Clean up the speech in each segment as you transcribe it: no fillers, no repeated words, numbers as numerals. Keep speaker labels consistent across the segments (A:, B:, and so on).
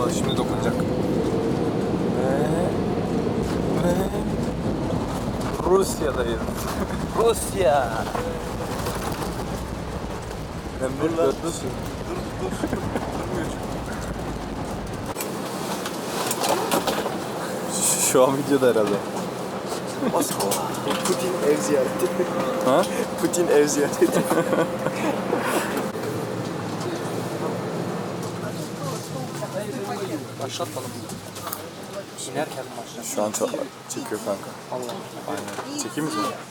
A: Şimdi dokunacak. Ve Rusya'dayız. Rusya. Dur. Durmuyor Şu an videoda herhalde.
B: Moskova. Putin ev ziyareti.
A: Ha?
B: Putin ev ziyareti.
C: Başlatmadım. İnerken başlat.
A: Şu an çekiyor kanka.
C: Allah.
A: Aynen. Çekeyim mi seni?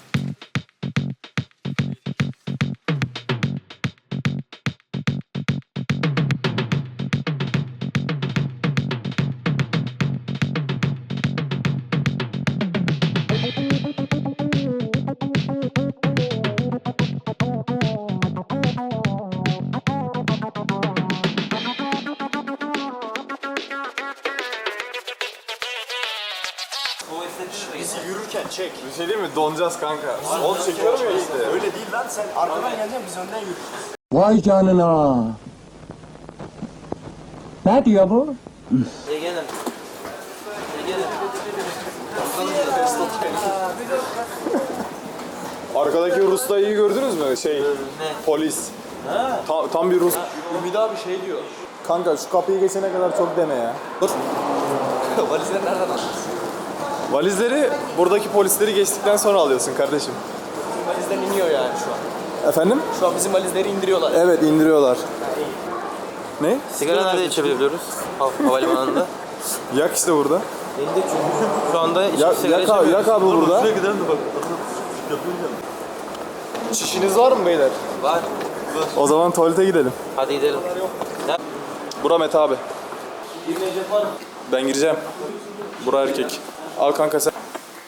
B: Bizi yürürken çek.
A: Bir şey değil mi? Donacağız kanka. Oğlum çekiyorum ya işte.
B: Öyle değil lan, sen arkadan geleceksin, biz önden yürüyeceğiz.
D: Vay canına. Ne diyor bu?
C: Ege'nin.
A: Arkadaki Rus dayıyı gördünüz mü? Polis. Tam bir Rus.
C: Ümit abi şey diyor.
A: Kanka şu kapıyı geçene kadar çok dene ya.
C: Valizleri nereden aldın?
A: Valizleri buradaki polisleri geçtikten sonra alıyorsun kardeşim.
C: Valizden iniyor yani şu an.
A: Efendim?
C: Şu an bizim valizleri indiriyorlar.
A: Evet, indiriyorlar. Ne?
E: Sigara nerede içebiliyoruz? Havalimanında.
A: Yak işte burada.
E: Elinde çünkü. Şu anda içki sigara
A: Yak abi burada. Çişiniz var mı beyler?
E: Var.
A: O zaman tuvalete gidelim.
E: Hadi gidelim.
A: Bura Mete abi. Ben gireceğim. Bura erkek. Al kanka sen.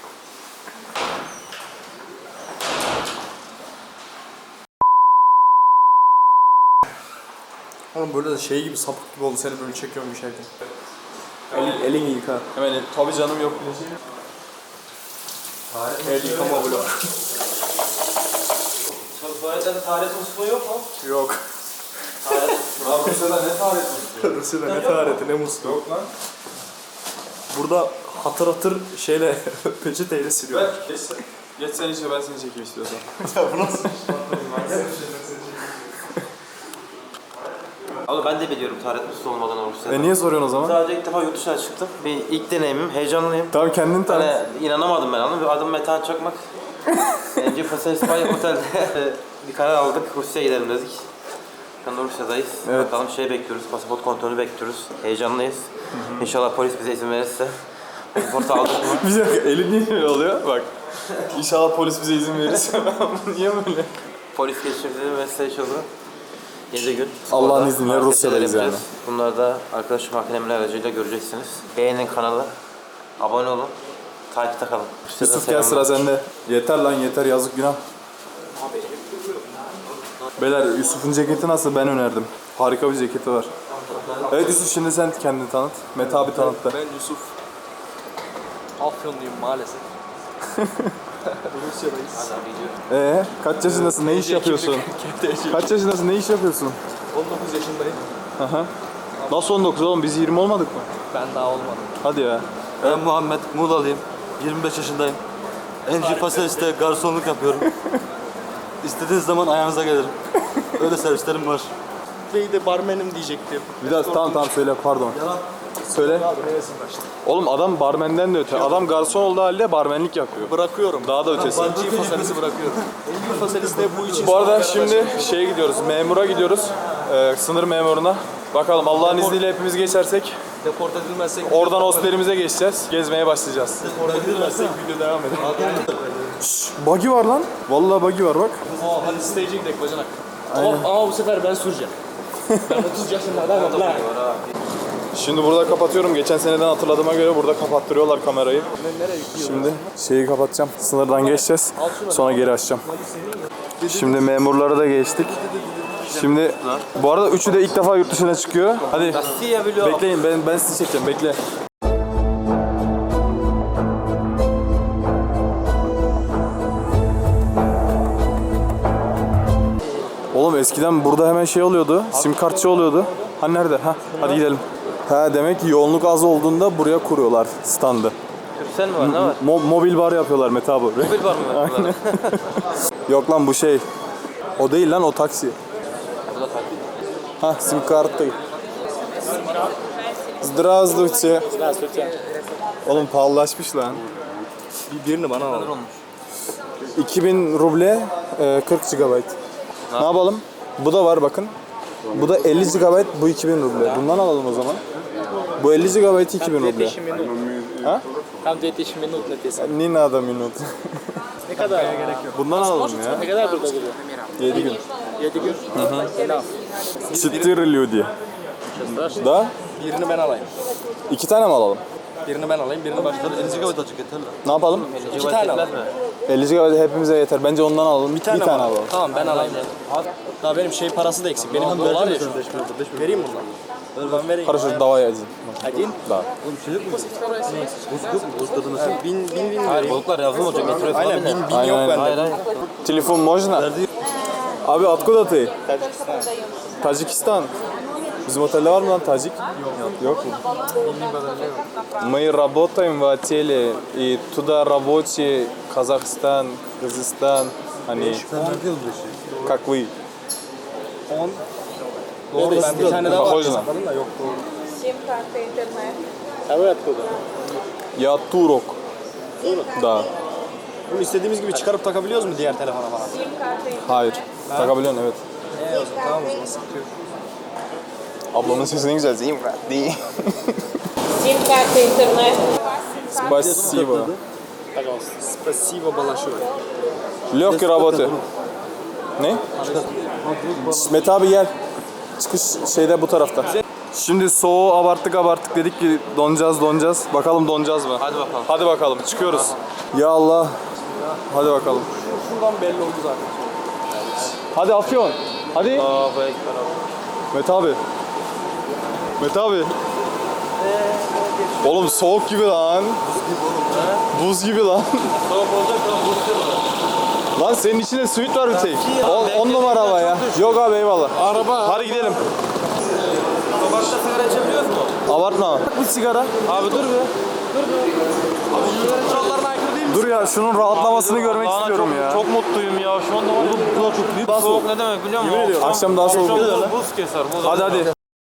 B: Oğlum böyle de şey gibi, sapık gibi oldu, seni böyle çekiyorum geçerken.
A: Elini yıka. Hemen tabii canım yok.
B: El yıkama bloğu.
E: Tuvaletten tarih musluğu yok mu?
B: Yok.
A: Rusya'da ne tarih
B: Rusya'da ne tahareti, ne musluğu.
A: Yok lan.
B: Burada hatır şeyle, peçeteyle siliyor.
A: Ver, geç sen içe, ben seni çekeyim istiyorsan.
B: Ya bu nasıl?
E: Abi ben de biliyorum tarih musluğu olmadan Rusya'da.
A: Niye soruyorsun o zaman?
E: Sadece ilk defa yurt dışına çıktım. Bir ilk deneyimim, heyecanlıyım.
A: Tamam, kendini tanıt.
E: Hani inanamadım ben ama adım Metehan Çakmak. Önce Fasel İspanya Otel'de bir karar aldık. Rusya'ya gidelim dedik. Şu anda Rusya'dayız.
A: Evet.
E: Bakalım bekliyoruz, pasaport kontrolünü bekliyoruz. Heyecanlıyız. İnşallah polis bize izin verirse. Pasaportu aldık mı?
A: Bir dakika, elin niye böyle oluyor? Bak. İnşallah polis bize izin verirse. Niye böyle?
E: Polis geçirdi mesleği çaldı. Gece gün.
A: Allah'ın
E: Orada
A: izniyle
E: hareketler
A: Rusya'dayız
E: yapacağız.
A: yani.
E: Bunları da arkadaşım Hakan aracıyla göreceksiniz. Beğenin kanalı. Abone olun. Takipte kalın.
A: Yusuf gel, sıra sende. Yeter lan yeter, yazık günah. Beyler, Yusuf'un ceketi nasıl? Ben önerdim. Harika bir ceketi var. Evet Yusuf, şimdi sen kendini tanıt. Mete abi tanıttı.
C: Ben Yusuf. Afyonluyum maalesef. Rusya'dayız.
A: Kaç yaşındasın? Ne iş yapıyorsun? Kaç yaşındasın? Ne iş yapıyorsun?
C: 19 yaşındayım.
A: Aha. Nasıl 19 oğlum? Biz 20 olmadık mı?
C: Ben daha olmadım.
A: Hadi ya.
F: Ben Muhammed, Muğla'lıyım. 25 yaşındayım. MC Faselis'te garsonluk yapıyorum. İstediğiniz zaman ayağınıza gelirim. Öyle servislerim var.
B: Bey de barmenim diyecektim.
A: Bir daha tamam söyle, pardon. Söyle.
B: Abi neresin kaçtı?
A: Oğlum adam barmenden de öte. Adam garson olduğu halde barmenlik yapıyor.
B: Bırakıyorum.
A: Daha da ötesi.
B: MC Faselis'i bırakıyorum. MC Faselis de bu için...
A: Bu arada şimdi şeye gidiyoruz, memura gidiyoruz. Sınır memuruna. Bakalım Allah'ın izniyle hepimiz geçersek
C: Deport edilmezsek...
A: oradan hostelimize geçeceğiz. Gezmeye başlayacağız.
B: Orada edilmezsek video devam edelim.
A: Buggy var lan. Vallahi buggy var bak.
C: Hadi stage'e gidelim bacanak. Ama bu sefer ben süreceğim. Ben 30 yaşında adamım lan.
A: Şimdi burada kapatıyorum. Geçen seneden hatırladığıma göre burada kapattırıyorlar kamerayı. Şimdi şeyi kapatacağım. Sınırdan geçeceğiz. Sonra geri açacağım. Şimdi memurlara da geçtik. Şimdi bu arada üçü de ilk defa yurt dışına çıkıyor. Hadi bekleyin, ben sizi çekeceğim. Bekle. Oğlum eskiden burada hemen şey oluyordu. Sim kartçı oluyordu. Hani nerede? Hadi gidelim. Ha demek ki yoğunluk az olduğunda buraya kuruyorlar standı.
E: Türksel mi var? Ne var?
A: Mobil bar yapıyorlar Mete abi.
E: Mobil var mı? Aynen.
A: Yok lan bu şey. O değil lan o taksi. Ha sim kartı. Здравствуйте. Oğlum pahalılaşmış lan.
B: Birini bana al.
A: 2000 ruble 40 GB. Ne yapalım? Bu da var bakın. Bu da 50 GB, bu 2000 ruble. Bundan alalım o zaman. Bu 50 GB 2000 ruble. Ha?
C: Tam 2000 minut написано.
A: Ni nada minut.
C: Ne kadar?
A: Bundan alalım ya.
C: Ne kadar burada duruyor?
A: 7 gün.
C: 7 gün. Enough.
A: 4 люди. Da?
B: Birini ben alayım.
A: 2 tane mi alalım?
B: Birini ben alayım, birini başka.
F: 50 GB açık yeter lan.
A: Ne yapalım?
B: 2 tane al.
A: 50 GB hepimize yeter. Bence ondan alalım. Bir tane
B: var.
A: alalım.
B: Tamam ben alayım. Daha benim şey parası da eksik. Benim dolar ya şu. Vereyim bundan. Ben vereyim.
A: Хорошо, давай один.
B: Один?
A: Да.
F: Oğlum şey yok mu? Bozuk yok mu? Bozuk kadını sen.
B: Bin
E: Hayır,
B: vereyim.
E: balıklar yazdım olacak. Metroya falan
B: Aynen
E: biner.
B: bin
A: Aynen,
B: yok
A: aynen.
B: bende.
E: Hayır hayır.
A: Телефон можно? Abi откуда ты? Tacikistan. Bizim otelde var mı lan Tacik? Yok mu? Мы работаем в отеле, и туда рабочие Казахстан, Кыргызстан, они как вы.
B: Doğru ben bir tane daha var.
A: Pохоже на.
B: Bakalım da yok doğru.
G: Сим-карта интернет.
C: А вы откуда?
A: Я турок. Да.
B: Bunu istediğimiz gibi çıkarıp takabiliyoruz mu diğer telefona falan?
G: Сим-карта интернет.
A: Hayır. Takabiliyorsun evet.
B: Tamam o zaman sıkıntı yok.
A: Ablamın sesi ne güzel. Zeyim değil.
G: Сим-карта интернет.
A: Спасибо.
B: Спасибо большое.
A: Легкой работы. Ne? Mete abi gel. Çıkış şeyde bu tarafta. Şimdi soğuğu abarttık dedik ki donacağız. Bakalım donacağız mı?
E: Hadi bakalım.
A: Hadi bakalım çıkıyoruz. Ya Allah. Hadi bakalım.
B: Şuradan belli oldu zaten.
A: Hadi Afyon. Hadi.
E: Allahu Ekber abi.
A: Mete abi. Mete abi. Oğlum soğuk gibi lan. Buz gibi lan.
E: Soğuk olacak da buz gibi.
A: Lan senin içinde suite var bir tek. 10 numara hava ya. Yok abi eyvallah. Araba. Hadi gidelim.
E: Sokakta sigara içebiliyoruz mu?
A: Abartma. Bu sigara.
E: Abi dur be. Abi şunların kurallarına aykırı değil mi?
A: Dur ya şunun rahatlamasını görmek
E: Bana
A: istiyorum
E: çok,
A: ya.
E: Çok mutluyum ya. Şu anda var ya. Bu kadar çok büyük. Daha soğuk ne demek biliyor musun?
A: Akşam daha soğuk
E: Akşam
A: olur.
E: buz keser. Buz
A: Hadi hadi.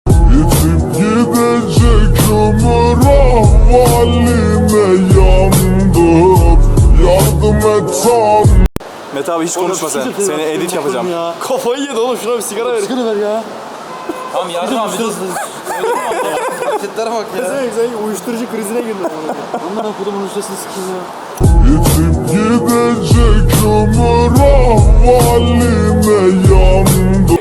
H: Gidecek ömür ahvaline yandım. Yardım et tam.
A: Mete abi hiç konuşma sen. Seni edit yapacağım.
B: Kafayı yedi oğlum şuna bir sigara ver.
F: Sigara ver ya.
E: Tamam yardım abi.
F: Hareketlere bak ya.
B: Sen uyuşturucu krizine girdin.
F: Onlara kodumun üstesini sikeyim ya.
H: Yitip gidecek ömür ahvaline yandım.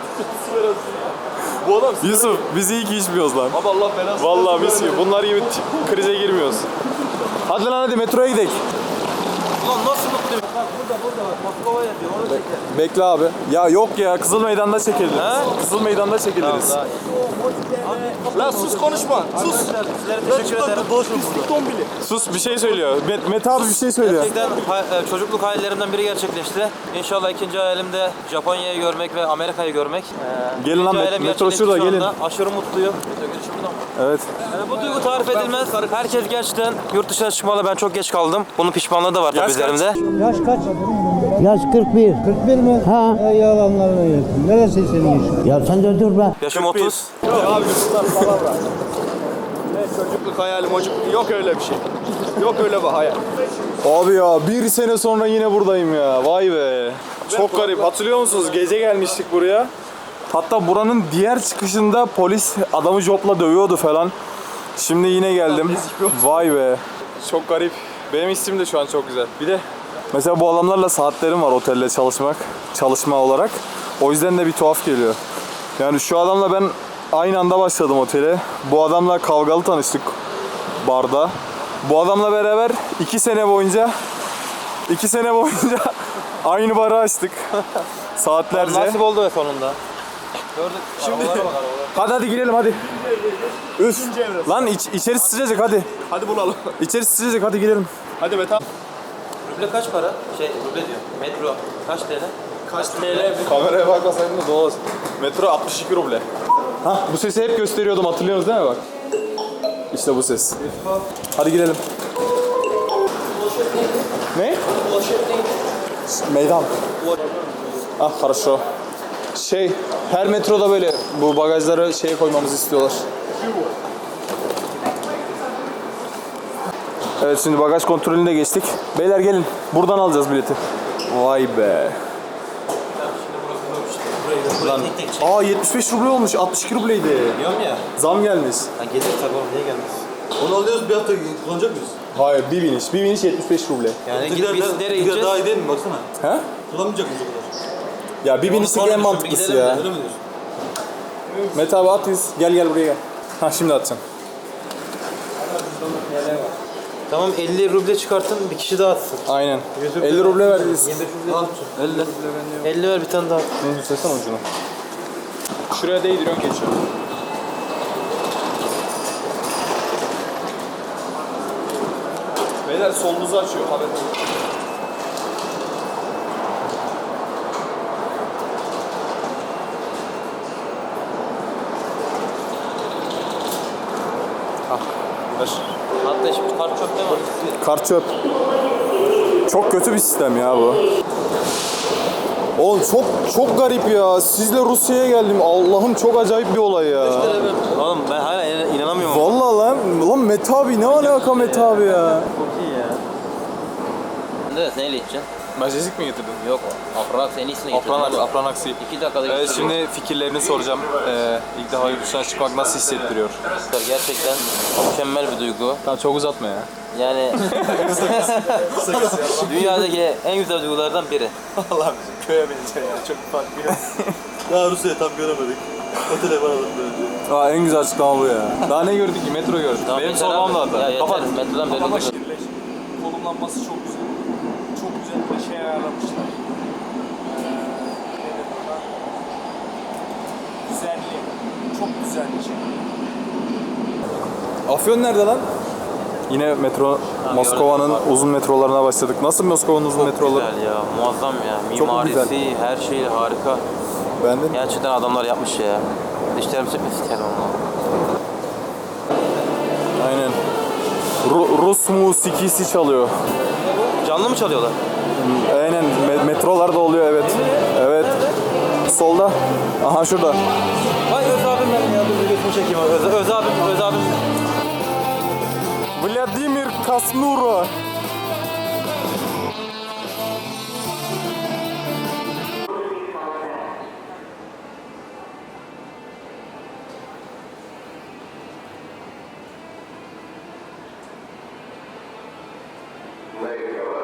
B: Bu adam
A: Yusuf biz iyi ki içmiyoruz lan.
B: Abi Allah belasını.
A: Vallahi biz iyi. Bunlar gibi krize girmiyoruz. Hadi lan hadi metroya gidelim.
E: Ulan nasıl mutluyum? Bak burada Moskova yapıyor. Onu çeker.
A: Bekle abi. Ya yok ya Kızıl Meydan'da çekiliriz. Kızıl Meydan'da çekiliriz.
B: Lan sus konuşma. Sus.
E: Sizlere teşekkür ederim.
B: Dombili.
A: Sus bir şey söylüyor. Mete abi bir şey söylüyor.
E: Gerçekten çocukluk hayallerimden biri gerçekleşti. İnşallah ikinci hayalimde Japonya'yı görmek ve Amerika'yı görmek.
A: Gelin lan
E: İkinci hayalim
A: metro
E: gerçekleşti
A: şurada
E: şu
A: gelin.
E: anda. Aşırı mutluyum.
A: Evet.
E: Bu duygu tarif edilmez. Herkes gerçekten yurt dışına çıkmalı. Ben çok geç kaldım. Bunun pişmanlığı da var tabii
A: Yaş kaç?
E: üzerimde.
I: Yaş kaç? Yaş 41. 41 mi? Ha. Yalanlarına yakın. Neresi senin yaşın? Ya sen de dur be.
E: Yaşım 30.
B: Abi bunlar palavra. Ne çocukluk hayali mocukluk yok öyle bir şey. Yok öyle bir hayal.
A: Abi ya bir sene sonra yine buradayım ya. Vay be. Çok garip. Hatırlıyor musunuz? Gece gelmiştik buraya. Hatta buranın diğer çıkışında polis adamı jopla dövüyordu falan. Şimdi yine geldim. Vay be. Çok garip. Benim hissim de şu an çok güzel. Bir de mesela bu adamlarla saatlerim var otelde çalışma olarak. O yüzden de bir tuhaf geliyor. Yani şu adamla ben aynı anda başladım otele. Bu adamla kavgalı tanıştık barda. Bu adamla beraber 2 sene boyunca aynı barı açtık. Saatlerce.
E: Nasip oldu ve sonunda. Gördük.
A: Şimdi hadi girelim hadi. Üf. Lan içeri sıcacık hadi.
B: Hadi bulalım.
A: İçeri sıcacık hadi girelim.
B: Hadi Meta.
E: Ruble kaç para? Ruble diyor. Metro. Kaç TL?
B: Kaç TL?
A: Kameraya bakmasaydın da doğal. Metro 62 ruble. Hah, bu sesi hep gösteriyordum, hatırlıyorsunuz değil mi bak? İşte bu ses. Hadi girelim. Ne? Meydan. Ah, хорошо. Her metroda böyle bu bagajları şeye koymamızı istiyorlar. Evet, şimdi bagaj kontrolünde geçtik. Beyler gelin, buradan alacağız bileti. Vay be. Lan, 75 ruble olmuş, 62 rubleydi.
E: Diyorum ya.
A: Zam gelmiş.
E: Ha gelir tabii oğlum, niye gelmez?
F: Onu alıyoruz, bir hafta kullanacak mıyız?
A: Hayır, bir biniş 75 ruble.
E: Yani gidip biz nereye gideceğiz?
F: Daha iyi değil mi baksana?
A: He?
F: Kullanmayacak mıyız o kadar?
A: Ya bir binişlik en mantıklısı ya.
F: Öyle mi diyorsun?
A: Mete abi at biz. Gel buraya gel. Ha, şimdi atacağım.
E: Tamam 50 ruble çıkartın, bir kişi daha atsın.
A: Aynen. 50 ruble ver biz.
E: 50 ver, bir tane daha at.
A: Neyse, söylesene ucunu. Şuraya değdiriyorsun, geçiyor. Beyler solunuzu açıyor. Haber. Ver.
E: Hatta şimdi kart çöpte var.
A: Kart çöp. Çok kötü bir sistem ya bu. Oğlum çok garip ya. Sizle Rusya'ya geldim. Allah'ım, çok acayip bir olay ya.
E: Oğlum ben hala inanamıyorum.
A: Vallahi lan Mete abi, ne alaka Mete abi ya?
E: Çok iyi ya. Evet, neyle gideceksin?
A: Majezik mi getirdin?
E: Yok, Afranak en iyisini getirdim.
A: Afran aksi.
E: 2 dakikada
A: Evet,
E: getiriyorum.
A: şimdi fikirlerini soracağım. İlk defa yurt dışına çıkmak nasıl hissettiriyor?
E: Gerçekten mükemmel bir duygu.
A: Tamam, çok uzatma ya.
E: Yani dünyadaki en güzel duygulardan biri.
A: Allah'ım, bizim köye benziyor ya. Çok farklı.
F: Daha Rusya'yı tam göremedik. Otele varalım önce.
A: Aa, en güzel açıklama bu ya. Daha ne gördük ki? Metro gördük.
E: Tamam,
A: Benim
E: yeter
A: sormam
E: abi.
A: da
E: Ya
A: hatta.
E: yeter,
A: Kapat.
E: metrodan belli olur.
B: Konumlanması çok güzel. Çok güzel bir şey ayarlamışlar. Güzelliği. Çok güzel bir şey.
A: Afyon nerede lan? Yine metro, Moskova'nın uzun metrolarına başladık. Nasıl Moskova'nın uzun metroları?
E: Güzel ya, muazzam ya.
A: Çok
E: Mimarisi,
A: güzel.
E: her şey harika.
A: Beğendin mi?
E: Gerçekten adamlar yapmış ya. Dişlerimi sıkmış sikerim onu.
A: Aynen. Rus musikisi çalıyor.
E: Canlı mı çalıyorlar?
A: Aynen, metrolarda oluyor, evet. Evet. Solda. Aha, şurada.
E: Vay Öz abim benim ya, dur videosunu çekeyim. Öz abim.
A: Vladimir Kasnuro.
H: Lake